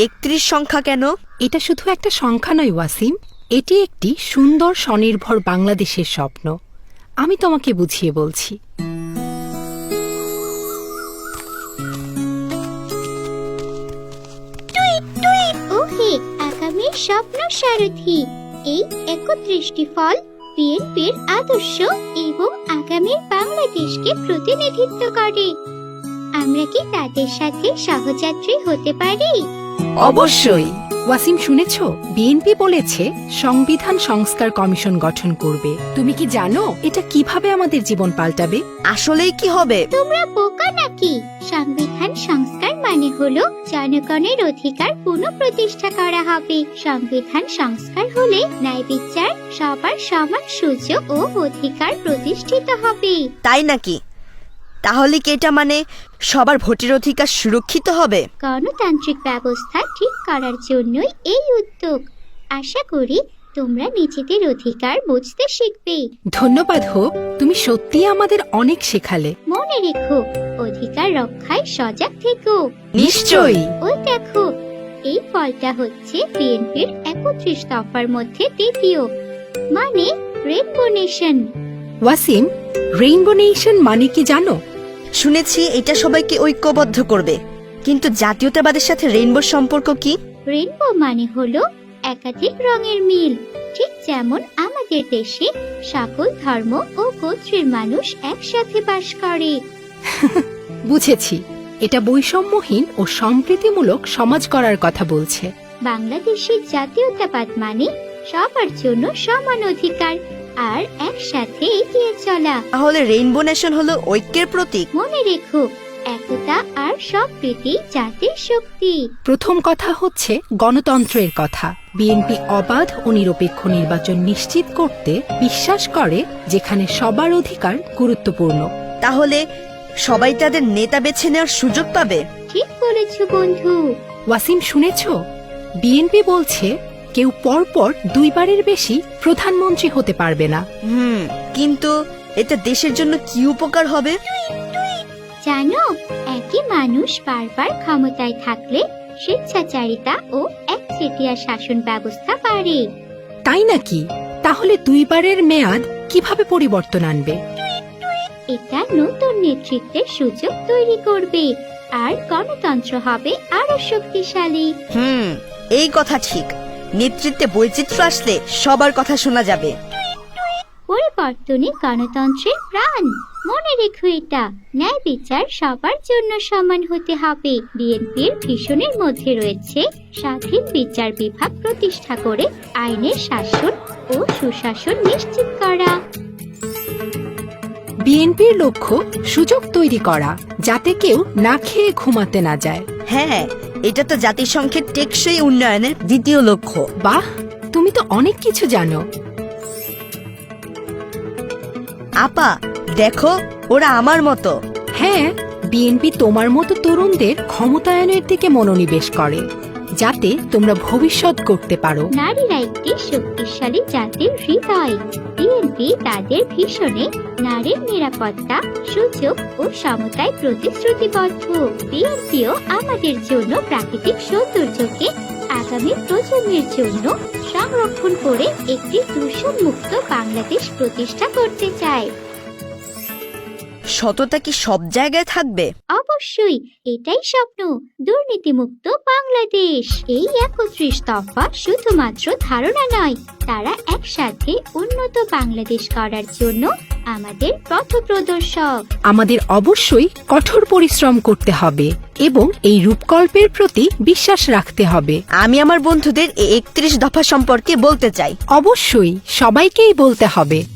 31 সংখ্যা কেন? এটা শুধু একটা সংখ্যা নয় ওয়াসিম, এটি একটি সুন্দর স্বনির্ভর বাংলাদেশের স্বপ্ন। আমি তোমাকে বুঝিয়ে বলছি। ওহে আগামীর স্বপ্ন সারথি, এই 31টি ফল বিএনপির আদর্শ এবং আগামীর বাংলাদেশকে প্রতিনিধিত্ব করে। আমরা কি তাদের সাথে সহযাত্রী হতে পারি? অবশ্যই। ওয়াসিম, শুনেছ বিএনপি বলেছে সংবিধান সংস্কার কমিশন গঠন করবে। তুমি কি জানো এটা কিভাবে আমাদের জীবন পাল্টাবে? আসলেই কি হবে? তোমরা বোকা নাকি? সংবিধান সংস্কার মানে হলো জনগণের অধিকার পুনঃপ্রতিষ্ঠা করা হবে। সংবিধান সংস্কার হলে ন্যায় বিচার, সবার সমান সুযোগ ও অধিকার প্রতিষ্ঠিত হবে। তাই নাকি? তাহলে কি এটা মানে সবার ভোটের অধিকার সুরক্ষিত হবে? গণতান্ত্রিক ব্যবস্থা ঠিক করার জন্যই এই উদ্যোগ। আশা করি তোমরা নিজেদের অধিকার বুঝতে শিখবে। ধন্যবাদ হোক, তুমি সত্যিই আমাদের অনেক শেখালে। মনে রেখো, অধিকার রক্ষায় সজাগ থেকো। নিশ্চয়ই। ওই দেখো, এই ফলটা হচ্ছে বিএনপির 31 দফার মধ্যে দ্বিতীয়, মানে rainbow nation. Wasim, rainbow nation মানে কি জানো? শুনেছি এটা সবাইকে ঐক্যবদ্ধ করবে, কিন্তু জাতীয়তাবাদের সাথে রেইনবোর সম্পর্ক কি? রেইনবো মানে হলো একাধিক রঙের মিল। ঠিক যেমন আমাদের দেশে সকল ধর্ম ও গোত্রের মানুষ একসাথে বাস করে। বুঝেছি, এটা বৈষম্যহীন ও সম্প্রীতিমূলক সমাজ করার কথা বলছে। বাংলাদেশের জাতীয়তাবাদ মানে সবার জন্য সমান অধিকার আর একসাথে এগিয়ে চলা। তাহলে রেইনবো নেশন হলো ঐক্যের প্রতীক। মনে রেখো, একতা আর সম্প্রীতি জাতির শক্তি। প্রথম কথা হচ্ছে গণতন্ত্রের কথা। বিএনপি অবাধ ও নিরপেক্ষ নির্বাচন নিশ্চিত করতে বিশ্বাস করে, যেখানে সবার অধিকার গুরুত্বপূর্ণ। তাহলে সবাই তাদের নেতা বেছে নেওয়ার সুযোগ পাবে। ঠিক বলেছ বন্ধু। ওয়াসিম, শুনেছ বিএনপি বলছে কেউ পরপর 2 বারের বেশি প্রধানমন্ত্রী হতে পারবে না। কিন্তু এতে দেশের জন্য কি উপকার হবে? জানো, একই মানুষ বারবার ক্ষমতায় থাকলে স্বেচ্ছাচারিতা ও একচেটিয়া শাসন ব্যবস্থা বাড়ে। তাই নাকি? তাহলে 2 বারের মেয়াদ কিভাবে পরিবর্তন আনবে? এটা নতুন নেতৃত্বের সুযোগ তৈরি করবে আর গণতন্ত্র হবে আরো শক্তিশালী। এই কথা ঠিক। নেতৃত্বে বৈচিত্র্য আসলে সবার কথা শোনা যাবে। পরিবর্তনে গণতন্ত্রের প্রাণ। মনে রেখো এটা, ন্যায় বিচার সবার জন্য সমান হতে হবে। বিএনপির ভিশনের মধ্যে রয়েছে স্বাধীন বিচার বিভাগ প্রতিষ্ঠা করে আইনের শাসন ও সুশাসন নিশ্চিত করা। বিএনপির লক্ষ্য সুযোগ তৈরি করা, যাতে কেউ না খেয়ে ঘুমাতে না যায়। হ্যাঁ, এটা তো জাতিসংঘের টেকসই উন্নয়নের দ্বিতীয় লক্ষ্য। বাহ, তুমি তো অনেক কিছু জানো। আপা, দেখো ওরা আমার মতো। হ্যাঁ, বিএনপি তোমার মতো তরুণদের ক্ষমতায়নের দিকে মনোনিবেশ করে, যাতে তোমরা ভবিষ্যৎ করতে পারো। নারীরা একটি শক্তিশালী জাতির হৃদয়। বিএনপি তাদের ভীষণে নারীর নিরাপত্তা, সুযোগ ও সমতায় প্রতিশ্রুতিবদ্ধ। বিএনপিও আমাদের জন্য প্রাকৃতিক সৌন্দর্যকে আগামী প্রজন্মের জন্য সংরক্ষণ করে একটি দূষণমুক্ত বাংলাদেশ প্রতিষ্ঠা করতে চায়। সততা কি সব জায়গায় থাকবে? অবশ্যই, এটাই স্বপ্ন, দুর্নীতিমুক্ত বাংলাদেশ। এই 31 দফা শুধুমাত্র ধারণা নয়, তারা একসাথে উন্নত বাংলাদেশ করার জন্য আমাদের পথপ্রদর্শক। আমাদের অবশ্যই কঠোর পরিশ্রম করতে হবে এবং এই রূপকল্পের প্রতি বিশ্বাস রাখতে হবে। আমি আমার বন্ধুদের এই 31 দফা সম্পর্কে বলতে চাই। অবশ্যই সবাইকেই বলতে হবে।